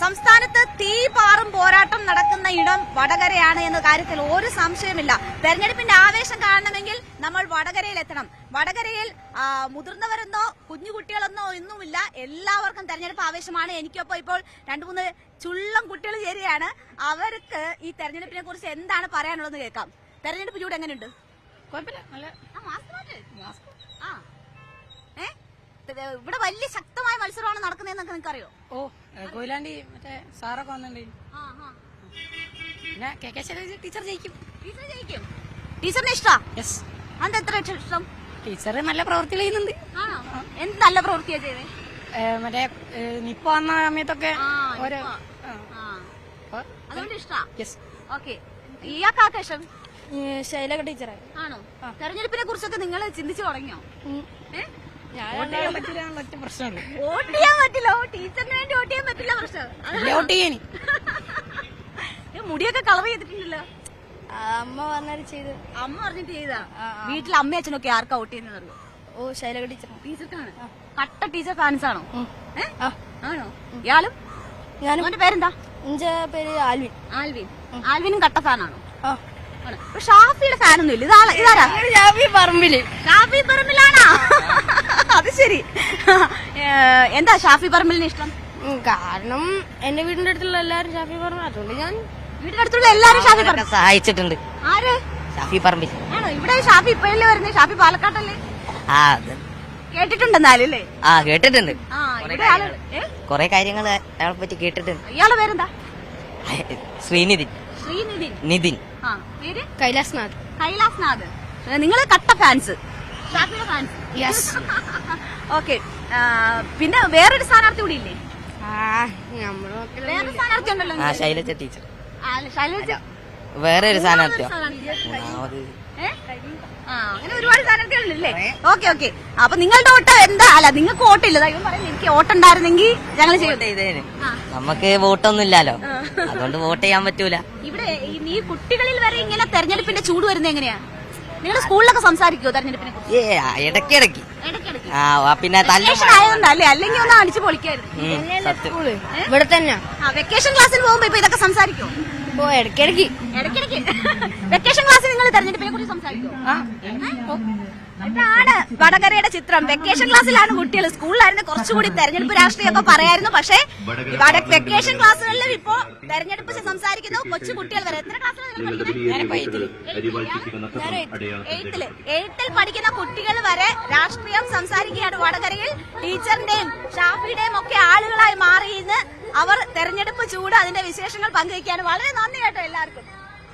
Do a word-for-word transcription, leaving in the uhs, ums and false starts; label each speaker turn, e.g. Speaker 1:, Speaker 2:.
Speaker 1: സംസ്ഥാനത്ത് തീ പാറും പോരാട്ടം നടക്കുന്ന ഇടം വടകരയാണ് എന്ന കാര്യത്തിൽ ഒരു സംശയമില്ല. തെരഞ്ഞെടുപ്പിന്റെ ആവേശം കാണണമെങ്കിൽ നമ്മൾ വടകരയിൽ എത്തണം. വടകരയിൽ മുതിർന്നവരെന്നോ കുഞ്ഞുകുട്ടികളെന്നോ ഒന്നുമില്ല, എല്ലാവർക്കും തെരഞ്ഞെടുപ്പ് ആവേശമാണ്. എനിക്കൊപ്പം ഇപ്പോൾ രണ്ടു മൂന്ന് ചുള്ളം കുട്ടികൾ ചേരുകയാണ്. അവർക്ക് ഈ തെരഞ്ഞെടുപ്പിനെ കുറിച്ച് എന്താണ് പറയാനുള്ളതെന്ന് കേൾക്കാം. തെരഞ്ഞെടുപ്പ് ചൂട് എങ്ങനെയുണ്ട്? ഇവിടെ വലിയ ശക്തമായ മത്സരമാണ് നടക്കുന്നതെന്നൊക്കെ നിങ്ങൾക്കറിയോ?
Speaker 2: ഓ കൊയിലാണ്ടി മറ്റേ സാറൊക്കെ വന്നിട്ടുണ്ട്. പിന്നെ കെ കെ ശൈലജ ടീച്ചർ ജയിക്കും.
Speaker 1: ടീച്ചർ ജയിക്കും. ടീച്ചറിനെ ഇഷ്ടാ?
Speaker 2: യെസ്.
Speaker 1: അത് എത്ര ഇഷ്ടം?
Speaker 2: ടീച്ചർ നല്ല പ്രവൃത്തി ചെയ്യുന്നുണ്ട്.
Speaker 1: എന്ത് നല്ല പ്രവൃത്തിയാ ചെയ്തേ?
Speaker 2: മറ്റേ നിപ്പ വന്ന സമയത്തൊക്കെ ഓരോ
Speaker 1: അതുകൊണ്ട് ഇഷ്ടാ.
Speaker 2: യെസ്.
Speaker 1: ഓക്കെ. ഇയാൾക്കാർക്ക് ഇഷ്ടം?
Speaker 2: ശൈലജ ടീച്ചറെ.
Speaker 1: ആണോ? തെരഞ്ഞെടുപ്പിനെ കുറിച്ചൊക്കെ നിങ്ങൾ ചിന്തിച്ചു തുടങ്ങിയോ?
Speaker 2: വോട്ട് ചെയ്യാൻ പറ്റില്ല ഒറ്റ പ്രശ്നമുള്ളൂ.
Speaker 1: വോട്ട് ചെയ്യാൻ പറ്റില്ല. ടീച്ചറിന് വേണ്ടി വോട്ട് ചെയ്യാൻ പറ്റില്ല പ്രശ്നം.
Speaker 2: വോട്ട് ചെയ്യാൻ
Speaker 1: മുടിയൊക്കെ കളർ ചെയ്തിട്ടുണ്ടല്ലോ.
Speaker 2: അമ്മ പറഞ്ഞത് ചെയ്ത്.
Speaker 1: അമ്മ പറഞ്ഞിട്ട് ചെയ്താ? വീട്ടിൽ അമ്മ അച്ഛനൊക്കെ ആർക്കാ വോട്ട് ചെയ്യുന്നത് അറിയോ?
Speaker 2: ഓ ശൈലജ ടീച്ചർ.
Speaker 1: ടീച്ചർക്കാണ്. കട്ട ടീച്ചർ ഫാൻസ് ആണോ? ആണോ? ഇയാളും?
Speaker 2: ഞാനും.
Speaker 1: അവന്റെ പേരെന്താ?
Speaker 2: എന്റെ പേര് ആൽവിൻ.
Speaker 1: ആൽവിൻ. ആൽവിനും കട്ട ഫാനാണോ? ഷാഫിയുടെ ഫാനൊന്നും ഇല്ല. ഇതാ ഇതാരാ?
Speaker 2: ഷാഫി പറമ്പില്.
Speaker 1: ഷാഫി പറമ്പിലാണോ? അത് ശരി. എന്താ ഷാഫി പറമ്പിലിന് ഇഷ്ടം?
Speaker 2: കാരണം എന്റെ വീടിന്റെ അടുത്തുള്ള എല്ലാരും ഷാഫി പറമ്പിൽ, അതുകൊണ്ട് ഞാൻ
Speaker 1: വീടിന്റെ അടുത്തുള്ള എല്ലാരും ഷാഫി പറമ്പിൽ
Speaker 3: സഹായിച്ചിട്ടുണ്ട്.
Speaker 1: ആര്?
Speaker 3: ഷാഫി പറമ്പിൽ.
Speaker 1: ആണോ? ഇവിടെ ഷാഫി ഇപ്പോഴല്ലേ വരുന്നത്? ഷാഫി പാലക്കാട്ടല്ലേ?
Speaker 3: ആ
Speaker 1: കേട്ടിട്ടുണ്ടെന്നാലും അല്ലേ?
Speaker 3: ആ കേട്ടിട്ടുണ്ട്. കൊറേ കാര്യങ്ങൾ അയാളെ പറ്റി കേട്ടിട്ടുണ്ട്.
Speaker 1: ഇയാളെ പേരെന്താ?
Speaker 3: ശ്രീനിധിൻ.
Speaker 1: ശ്രീനിധിൻ.
Speaker 3: നിതിൻ.
Speaker 2: കൈലാസ് നാഥ്.
Speaker 1: കൈലാസ് നാഥ്. നിങ്ങള് കട്ട ഫാൻസ്, ഷാഫിയുടെ ഫാൻസ്.
Speaker 2: യെസ്.
Speaker 1: ഓക്കെ. പിന്നെ വേറൊരു സ്ഥാനാർത്ഥി കൂടി ഇല്ലേ? വേറൊരു സ്ഥാനാർത്ഥി ഉണ്ടല്ലോ.
Speaker 3: ആ ശൈലജ ടീച്ചർ.
Speaker 1: ശൈലജ
Speaker 3: വേറെ ഒരു സ്ഥാനാർത്ഥിയോ?
Speaker 1: അങ്ങനെ ഒരുപാട് സ്ഥാനാർത്ഥികളില്ലേ? Okay okay. അപ്പൊ നിങ്ങളുടെ വോട്ട് എന്താ? അല്ല, നിങ്ങൾക്ക് വോട്ടില്ല. എനിക്ക് വോട്ടുണ്ടായിരുന്നെങ്കിൽ ഞങ്ങൾ ചെയ്തേനെ.
Speaker 3: നമുക്ക് വോട്ടൊന്നും ഇല്ലല്ലോ, അതുകൊണ്ട് വോട്ട് ചെയ്യാൻ പറ്റൂല.
Speaker 1: ഇവിടെ ഈ കുട്ടികളിൽ വരെ ഇങ്ങനെ തെരഞ്ഞെടുപ്പിന്റെ ചൂട് വരുന്നത് എങ്ങനെയാ? നിങ്ങളുടെ സ്കൂളിലൊക്കെ സംസാരിക്കുമോ തെരഞ്ഞെടുപ്പിനെ കുറിച്ച്?
Speaker 3: ഏ ഇടയ്ക്കിടയ്ക്ക്. ആ പിന്നെ
Speaker 1: ആയതുകൊണ്ടല്ലേ, അല്ലെങ്കിൽ ഒന്ന് അടിച്ചു പൊളിക്കായിരുന്നു.
Speaker 2: ഇവിടെ തന്നെ
Speaker 1: വെക്കേഷൻ ക്ലാസ്സിൽ പോകുമ്പോ ഇപ്പൊ ഇതൊക്കെ സംസാരിക്കുമോ?
Speaker 2: ഓ ഇടയ്ക്കിടയ്ക്ക്.
Speaker 1: ഇടയ്ക്കിടയ്ക്ക് വെക്കേഷൻ ക്ലാസ്സിൽ നിങ്ങൾ തെരഞ്ഞെടുപ്പിനെ കുറിച്ച് സംസാരിക്കുമോ? ഇതാണ് വടകരയുടെ ചിത്രം. വെക്കേഷൻ ക്ലാസ്സിലാണ് കുട്ടികൾ. സ്കൂളിലായിരുന്നു കുറച്ചുകൂടി തെരഞ്ഞെടുപ്പ് രാഷ്ട്രീയമൊക്കെ പറയായിരുന്നു. പക്ഷേ വെക്കേഷൻ ക്ലാസ്സുകളിലും ഇപ്പോ തെരഞ്ഞെടുപ്പ് സംസാരിക്കുന്നു കൊച്ചു കുട്ടികൾ വരെ. എത്ര ക്ലാസ്സിലാണ്? എയ്ത്തില്. എയ്ത്തിൽ പഠിക്കുന്ന കുട്ടികൾ വരെ രാഷ്ട്രീയം സംസാരിക്കുകയാണ് വടകരയിൽ. ടീച്ചറിന്റെയും ഷാഫിയുടെയും ഒക്കെ ആളുകളായി മാറിയെന്ന് അവർ തെരഞ്ഞെടുപ്പ് ചൂട് അതിന്റെ വിശേഷങ്ങൾ പങ്കുവയ്ക്കുകയാണ്. വളരെ നന്ദി കേട്ടോ എല്ലാവർക്കും.